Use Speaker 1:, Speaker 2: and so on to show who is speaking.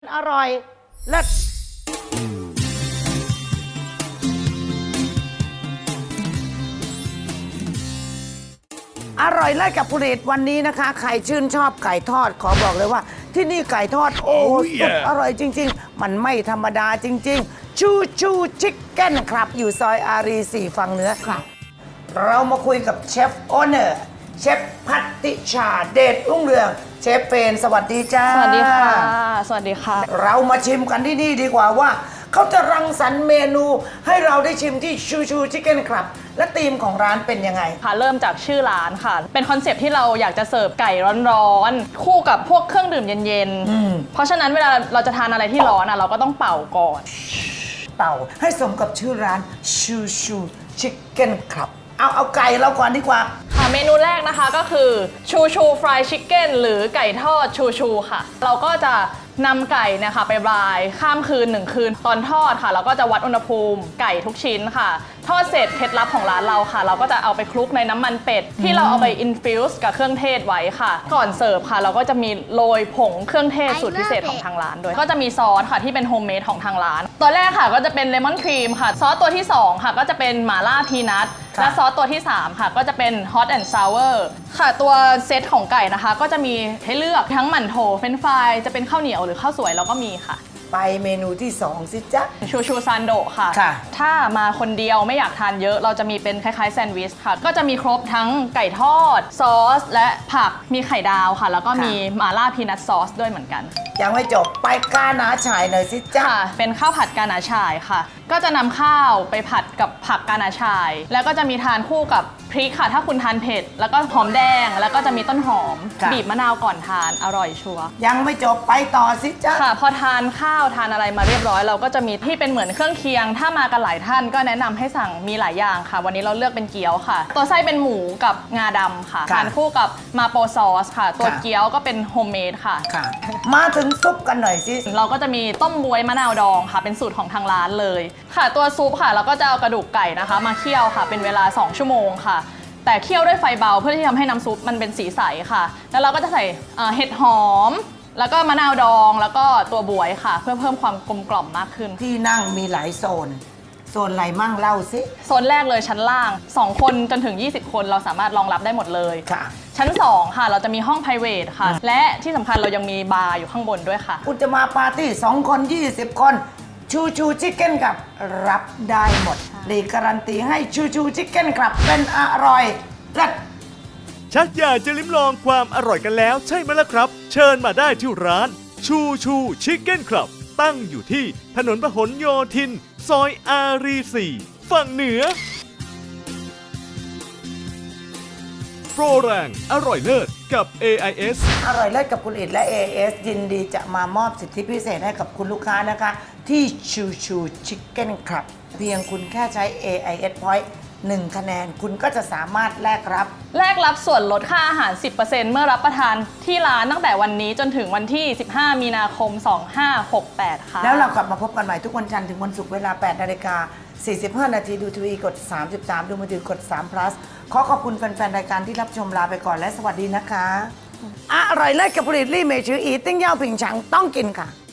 Speaker 1: อร่อยเลิศอร่อยเลิศกับผลิตวันนี้นะคะใครชื่นชอบไก่ทอดขอบอกเลยว่า ที่นี่ไก่ทอดโอ้สุดอร่อยจริงๆมันไม่ธรรมดาจริงๆชูชูชิคเก้นครับอยู่ซอยอารี4ฝั่งเหนือครับเรามาคุยกับเชฟโอเนอร์เชฟพัตติชาเดชรุ่งเรืองเชฟเฟนสวัสดีจ้า
Speaker 2: สวัสดีค่ะสวัสดีค่ะ
Speaker 1: เรามาชิมกันที่นี่ดีกว่าว่าเขาจะรังสรรค์เมนูให้เราได้ชิมที่ชูชูชิคเก้นครับและธีมของร้านเป็นยังไง
Speaker 2: ค่ะเริ่มจากชื่อร้านค่ะ เป็นคอนเซปต์ที่เราอยากจะเสิร์ฟไก่ร้อนๆคู่กับพวกเครื่องดื่มเย็นๆเพราะฉะนั้นเวลาเราจะทานอะไรที่ร้อนเราก็ต้องเป่าก่อน
Speaker 1: เป่าให้สมกับชื่อร้านชูชูชิคเก้นครับเอาไก่เราก่อนดีกว่า
Speaker 2: ค่ะเมนูแรกนะคะก็คือชูชูฟรายชิคเก้นหรือไก่ทอดชูชูค่ะเราก็จะนำไก่เนี่ยค่ะไปบรายข้ามคืน1คืนตอนทอดค่ะเราก็จะวัดอุณหภูมิไก่ทุกชิ้นค่ะทอดเสร็จเคล็ดลับของร้านเราค่ะเราก็จะเอาไปคลุกในน้ำมันเป็ดที่เราเอาไปอินฟิวส์กับเครื่องเทศไว้ค่ะก่อนเสิร์ฟค่ะเราก็จะมีโรยผงเครื่องเทศสูตรพิเศษของทางร้านด้วยก็จะมีซอสค่ะที่เป็นโฮมเมดของทางร้านตัวแรกค่ะก็จะเป็นเลมอนครีมค่ะซอสตัวที่2ค่ะก็จะเป็นหม่าล่าพีนัทและซอสตัวที่3ค่ะก็จะเป็น Hot and Sour ค่ะตัวเซตของไก่นะคะก็จะมีให้เลือกทั้งหมั่นโถเฟรนช์ฟรายจะเป็นข้าวเหนียวหรือข้าวสวยเราก็มีค่ะ
Speaker 1: ไปเมนูที่2สิจ๊ะ
Speaker 2: ชูชูซันโดะค่ะถ้ามาคนเดียวไม่อยากทานเยอะเราจะมีเป็นคล้ายๆแซนด์วิชค่ะก็จะมีครบทั้งไก่ทอดซอสและผักมีไข่ดาวค่ะแล้วก็มีหม่าล่าพีนัทซอสด้วยเหมือนกัน
Speaker 1: ยังไม่จบไปกาหนาฉ่ายหน่อยสิจ๊ะ
Speaker 2: เป็นข้าวผัดกาหนาฉ่ายค่ะก็จะนำข้าวไปผัดกับผักกาหนาฉ่ายแล้วก็จะมีทานคู่กับพริกค่ะถ้าคุณทานเผ็ดแล้วก็หอมแดงแล้วก็จะมีต้นหอมบีบมะนาวก่อนทานอร่อยชัวร์
Speaker 1: ยังไม่จบไปต่อสิจ๊ะ
Speaker 2: ค่ะพอทานข้าวทานอะไรมาเรียบร้อยเราก็จะมีที่เป็นเหมือนเครื่องเคียงถ้ามากันหลายท่านก็แนะนำให้สั่งมีหลายอย่างค่ะวันนี้เราเลือกเป็นเกี๊ยวค่ะตัวไส้เป็นหมูกับงาดำค่ะทานคู่กับมาโปซอสค่ะตัวเกี๊ยวก็เป็นโฮมเมดค่ะ
Speaker 1: มาถึงซุปกันหน่อยสิ
Speaker 2: เราก็จะมีต้มบวยมะนาวดองค่ะเป็นสูตรของทางร้านเลยค่ะตัวซุปค่ะเราก็จะเอากระดูกไก่นะคะมาเคี่ยวค่ะเป็นเวลา2ชั่วโมงค่ะแต่เคี่ยวด้วยไฟเบาเพื่อที่ทำให้น้ำซุปมันเป็นสีใสค่ะแล้วเราก็จะใส่เห็ดหอมแล้วก็มะนาวดองแล้วก็ตัวบวยค่ะเพื่อเพิ่มความกลมกล่อมมากขึ้น
Speaker 1: ที่นั่งมีหลายโซนอะไรมั่งเล่าสิ
Speaker 2: โซนแรกเลยชั้นล่าง2คนจนถึง20คนเราสามารถรองรับได้หมดเลย
Speaker 1: ค่ะ
Speaker 2: ชั้น2ค่ะเราจะมีห้อง private ค่ะและที่สำคัญเรายังมีบาร์อยู่ข้างบนด้วยค่ะ
Speaker 1: คุณจะมาปาร์ตี้2คน20คนชูชูชิคเก้นกับรับได้หมดรีการันตีให้ชูชูชิคเก้นครับเป็นอร่อยเลิศ
Speaker 3: ชักอยากจะลิ้มลองความอร่อยกันแล้วใช่ไหมล่ะครับเชิญมาได้ที่ร้านชูชูชิคเก้นครับตั้งอยู่ที่ถนนพหลโยธินซอยอารี4ฝั่งเหนือโปรแรงอร่อยเลิศกับ AIS
Speaker 1: อร่อยเลิศกับคุณอิฐและ AIS ยินดีจะมามอบสิทธิพิเศษให้กับคุณลูกค้านะคะที่ชูชูชิคเก้นครับเพียงคุณแค่ใช้ AIS Point 1 คะแนนคุณก็จะสามารถแลกรับ
Speaker 2: ส่วนลดค่าอาหาร 10% เมื่อรับประทานที่ร้านตั้งแต่วันนี้จนถึงวันที่15มีนาคม2568ค่ะ
Speaker 1: แล้วเรากลับมาพบกันใหม่ทุกวันจันทร์ถึงวันศุกร์เวลา 8:45 น.ดูทีวีกด33ดูมือถือกด3 plus ขอบคุณแฟนๆรายการที่รับชมลาไปก่อนและสวัสดีนะคะอร่อยเลิศกับผลิตลี่เมชืออีติ้งเย่าผิงฉังต้องกินค่ะ